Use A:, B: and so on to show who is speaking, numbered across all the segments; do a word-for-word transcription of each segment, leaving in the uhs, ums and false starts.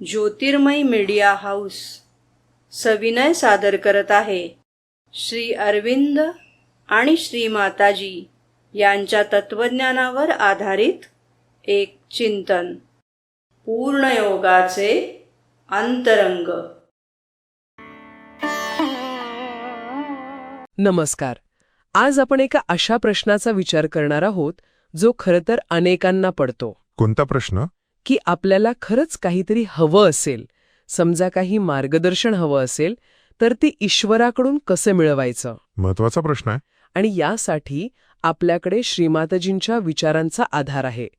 A: ज्योतिर्मय media house सविनय सादर करत आहे श्री अरविंद आणि श्री माताजी यांच्या तत्वज्ञानावर आधारित एक चिंतन. पूर्णयोगाचे अंतरंग.
B: नमस्कार. आज आपण एका अशा प्रश्नाचा विचार करणार आहोत जो खरं तर अनेकांना पडतो.
C: कोणता प्रश्न?
B: की आपल्याला खरंच काहीतरी हवं असेल, समजा काही मार्गदर्शन हवं असेल, तर ते ईश्वराकडून कसं मिळवायचं?
C: महत्वाचा प्रश्न आहे.
B: आणि यासाठी आपल्याकडे श्रीमाताजींच्या विचारांचा आधार आहे.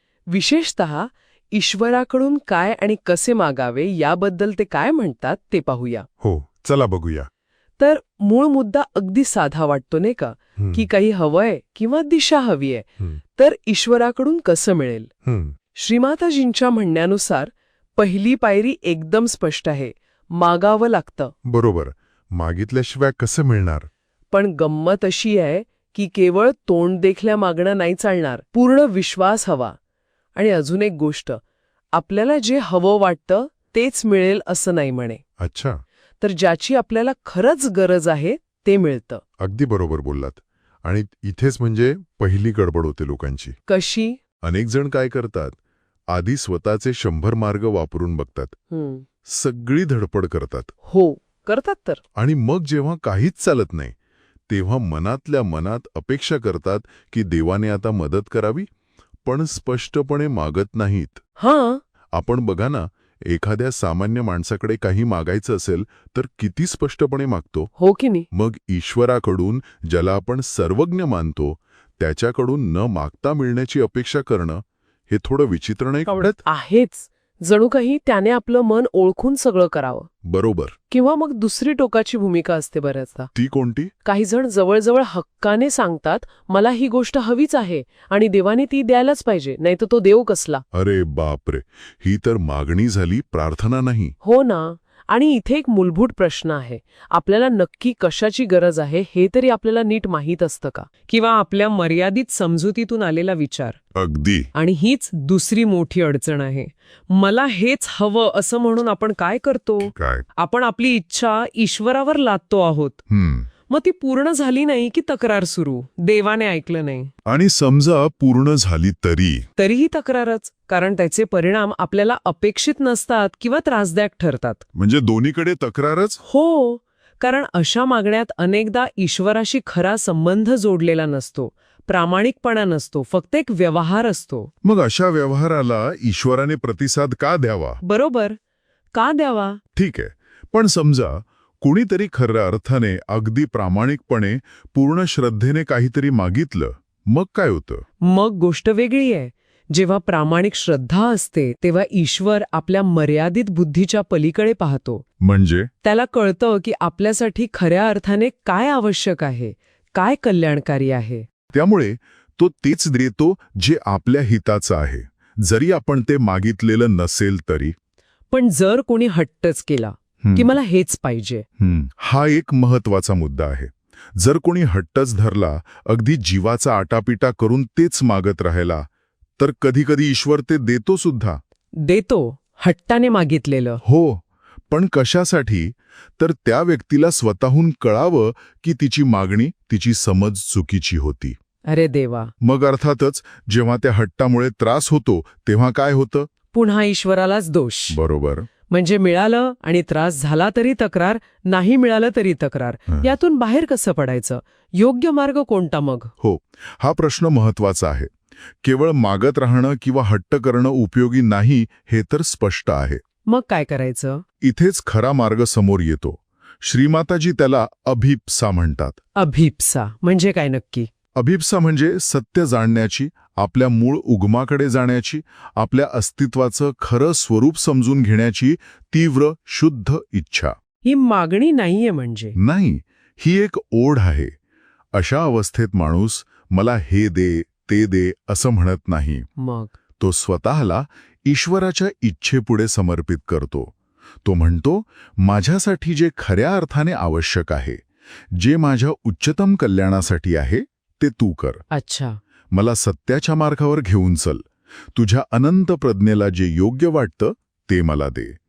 B: विशेषतः ईश्वराकडून काय आणि कसे मागावे याबद्दल ते काय म्हणतात ते पाहूया.
C: हो, चला बघूया.
B: तर मूळ मुद्दा अगदी साधा वाटतो नाही का,
C: हं,
B: की काही हवंय किंवा दिशा हवीय,
C: हं,
B: तर ईश्वराकडून कसं मिळेल?
C: हं.
B: श्रीमाताजींच्या म्हणण्यानुसार पहिली पायरी एकदम स्पष्ट आहे, मागावं लागतं.
C: बरोबर. मागितल्याशिवाय कसं मिळणार?
B: पण गंमत अशी आहे की केवळ तोंड देखल्या मागणं नाही चालणार, पूर्ण विश्वास हवा. आणि अजून एक गोष्ट, आपल्याला जे हवं वाटतं तेच मिळेल असं नाही म्हणे.
C: अच्छा,
B: तर ज्याची आपल्याला खरंच गरज आहे ते मिळतं.
C: अगदी बरोबर बोललात. आणि इथेच म्हणजे पहिली गडबड होते लोकांची.
B: कशी?
C: अनेक जण काय करतात, आधी स्वतःचे शंभर मार्ग वापरून बघतात,
B: हं.
C: सगळी धडपड करतात,
B: हो, करतात तर.
C: आणि मग जेव्हा काहीच चालत नाही तेव्हा मनातल्या मनात अपेक्षा करतात की देवाने आता मदत करावी, पण स्पष्टपणे मागत नाहीत.
B: हां,
C: आपण बघा ना, एखाद्या सामान्य माणसाकडे काही मागायचं असेल तर किती स्पष्टपणे मागतो.
B: हो की नाही?
C: मग ईश्वराकडून, ज्याला आपण सर्वज्ञ मानतो, त्याच्याकडून न मागता मिळण्याची अपेक्षा करणं हे थोडं विचित्र नाही आवडत?
B: आहेच. जणू काही त्याने आपलं मन ओळखून सगळं करावं.
C: बरोबर.
B: किंवा मग दुसरी टोकाची भूमिका असते बऱ्याचदा.
C: ती कोणती?
B: काही जण जवळजवळ हक्काने सांगतात, मला ही गोष्ट हवीच आहे आणि देवाने ती द्यायलाच पाहिजे, नाही तर तो देव कसला.
C: अरे बापरे, ही तर मागणी झाली, प्रार्थना नाही.
B: हो ना. आणि इथे एक मूलभूत प्रश्न आहे, आपल्याला नक्की कशाची गरज आहे हे तरी आपल्याला नीट माहीत असतं का? किंवा आपल्या मर्यादित समजुतीतून आलेला विचार.
C: अगदी.
B: आणि हीच दुसरी मोठी अडचण आहे. मला हेच हवं असं म्हणून आपण काय करतो?
C: काय?
B: आपण आपली इच्छा ईश्वरावर लादतो आहोत.
C: हम्म.
B: मग ती पूर्ण झाली नाही की तक्रार सुरू, देवाने ऐकलं नाही.
C: आणि समजा पूर्ण झाली तरी
B: तरीही तक्रारच, कारण त्याचे परिणाम आपल्याला अपेक्षित नसतात किंवा त्रासदायक ठरतात.
C: म्हणजे दोन्हीकडे तक्रारच.
B: हो, कारण अशा मागण्यात अनेकदा ईश्वराशी खरा संबंध जोडलेला नसतो, प्रामाणिकपणा नसतो, फक्त एक व्यवहार असतो.
C: मग अशा व्यवहाराला ईश्वराने प्रतिसाद का द्यावा?
B: बरोबर, का द्यावा?
C: ठीक आहे, पण समजा कुणीतरी खऱ्या अर्थाने, अगदी प्रामाणिकपणे, पूर्ण श्रद्धेने काहीतरी मागितलं, मग काय होतं?
B: मग गोष्ट वेगळी आहे. जेव्हा प्रामाणिक श्रद्धा असते तेव्हा ईश्वर आपल्या मर्यादित बुद्धीच्या पलीकडे पाहतो.
C: म्हणजे
B: त्याला कळतं की आपल्यासाठी खऱ्या अर्थाने काय आवश्यक आहे, काय कल्याणकारी आहे.
C: त्यामुळे तो तेच देतो जे आपल्या हिताचं आहे, जरी आपण ते मागितलेलं नसेल तरी.
B: पण जर कोणी हट्टच केला की मला हेच पाहिजे,
C: हम्म. हा एक महत्वाचा मुद्दा आहे. जर कोणी हट्टच धरला, अगदी जीवाचा आटापिटा करून तेच मागत राहिला, तर कधीकधी ईश्वर ते देतो सुद्धा.
B: देतो हट्टाने मागितलेलं.
C: हो, पण कशासाठी? तर त्या व्यक्तीला स्वतःहून कळावं की तिची मागणी, तिची समज चुकीची होती.
B: अरे देवा.
C: मग अर्थातच जेव्हा त्या हट्टामुळे त्रास होतो तेव्हा काय होतं?
B: पुन्हा ईश्वरालाच दोष.
C: बरोबर.
B: म्हणजे मिळालं आणि त्रास झाला तरी तक्रार, नाही मिळालं तरी तक्रार. यातून बाहेर कसं पडायचं? योग्य मार्ग कोणता मग?
C: हो, हा प्रश्न महत्वाचा आहे. केवळ मागत राहणं किंवा हट्ट करणं उपयोगी नाही हे तर स्पष्ट आहे.
B: मग काय करायचं?
C: इथेच खरा मार्ग समोर येतो. श्रीमाताजी त्याला अभिप्सा म्हणतात.
B: अभिप्सा म्हणजे काय नक्की?
C: अभिप्सा म्हणजे सत्य जाणण्याची, आपल्या मूळ उगमाकडे जाण्याची, आपल्या अस्तित्वाचं खरं स्वरूप समजून घेण्याची तीव्र, शुद्ध इच्छा.
B: ही मागणी नाहीये म्हणजे?
C: नाही, ही एक ओढ आहे. अशा अवस्थेत माणूस मला हे दे, ते दे असं म्हणत नाही.
B: मग
C: तो स्वतःला ईश्वराच्या इच्छेपुढे समर्पित करतो. तो म्हणतो, माझ्यासाठी जे खऱ्या अर्थाने आवश्यक आहे, जे माझ्या उच्चतम कल्याणासाठी आहे, ते तू कर.
B: अच्छा.
C: मला सत्याच्या मार्गावर घेऊन चल. तुझ्या अनंत प्रज्ञेला जे योग्य वाटतं ते मला दे.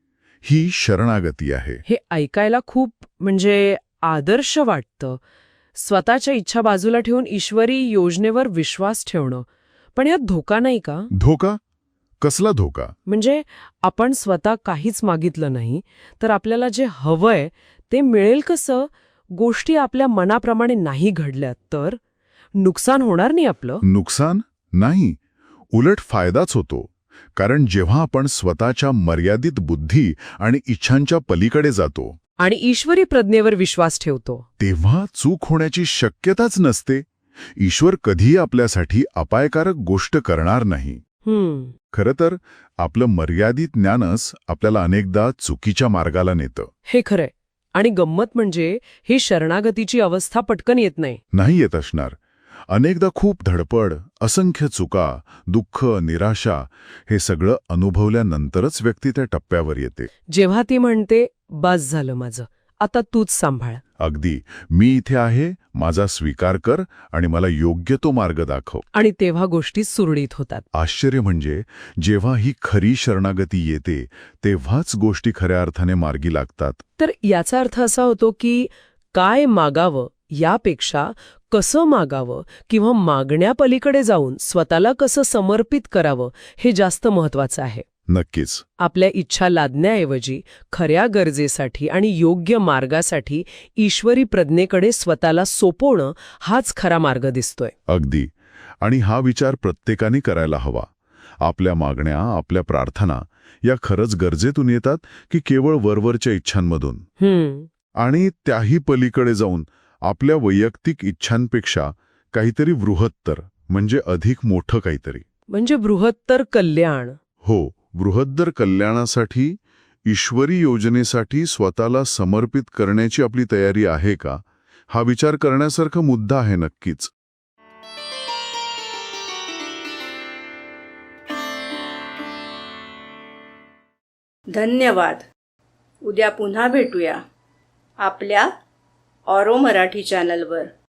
C: ही शरणागती आहे.
B: हे ऐकायला खूप म्हणजे आदर्श वाटतं. स्वतःच्या इच्छा बाजूला ठेवून ईश्वरी योजनेवर विश्वास ठेवणं. पण यात धोका नाही का?
C: धोका? कसला धोका?
B: म्हणजे आपण स्वतः काहीच मागितलं नाही तर आपल्याला जे हवंय ते मिळेल कसं? गोष्टी आपल्या मनाप्रमाणे नाही घडल्या तर नुकसान होणार नाही आपलं?
C: नुकसान? नाही. उलट फायदाच होतो. कारण जेव्हा आपण स्वतःच्या मर्यादित बुद्धी आणि इच्छांच्या पलीकडे जातो
B: आणि ईश्वरी प्रज्ञेवर विश्वास ठेवतो
C: तेव्हा चूक होण्याची शक्यताच नसते. ईश्वर कधीही आपल्यासाठी अपायकारक गोष्ट करणार नाही.
B: हम्म
C: खरं तर आपलं मर्यादित ज्ञानच आपल्याला अनेकदा चुकीच्या मार्गाला नेतं.
B: हे खरंय. आणि गंमत म्हणजे ही शरणागतीची अवस्था पटकन येत नाही.
C: नाही येत असणार. अनेकदा खूप धडपड, असंख्य चुका, दुःख, निराशा हे सगळं अनुभवल्यानंतरच व्यक्ती त्या टप्प्यावर येते.
B: जेव्हा ती म्हणते बस झालं माझं, आता तूच सांभाळ.
C: अगदी, मी इथे आहे, माझा स्वीकार कर आणि मला योग्य तो मार्ग दाखव.
B: आणि तेव्हा गोष्टी सुरळीत होतात.
C: आश्चर्य म्हणजे जेव्हा ही खरी शरणागती येते तेव्हाच गोष्टी खऱ्या अर्थाने मार्गी लागतात.
B: तर याचा अर्थ असा होतो की काय मागावं यापेक्षा कसं मागावं किंवा मागण्यापलीकडे जाऊन स्वतःला कसं समर्पित करावं हे जास्त महत्वाचं आहे.
C: नक्कीच.
B: आपल्या इच्छा लादण्याऐवजी खऱ्या गरजेसाठी आणि योग्य मार्गासाठी ईश्वरी प्रज्ञेकडे स्वतःला सोपवणं हाच खरा मार्ग दिसतोय.
C: अगदी. आणि हा विचार प्रत्येकाने करायला हवा. आपल्या मागण्या, आपल्या प्रार्थना या खरंच गरजेतून येतात की केवळ वरवरच्या इच्छांमधून?
B: हम्म
C: आणि त्याही पलीकडे जाऊन आपल्या वैयक्तिक इच्छांपेक्षा काहीतरी बृहत्तर म्हणजे अधिक मोठं काहीतरी.
B: म्हणजे बृहत्तर कल्याण.
C: हो, बृहत्तर कल्याणासाठी, ईश्वरी योजनेसाठी स्वतःला समर्पित करण्याची आपली तयारी आहे का? हा विचार करण्यासारखा मुद्दा आहे नक्कीच.
A: धन्यवाद. उद्या पुन्हा भेटूया आपल्या ऑरो मराठी चॅनलवर.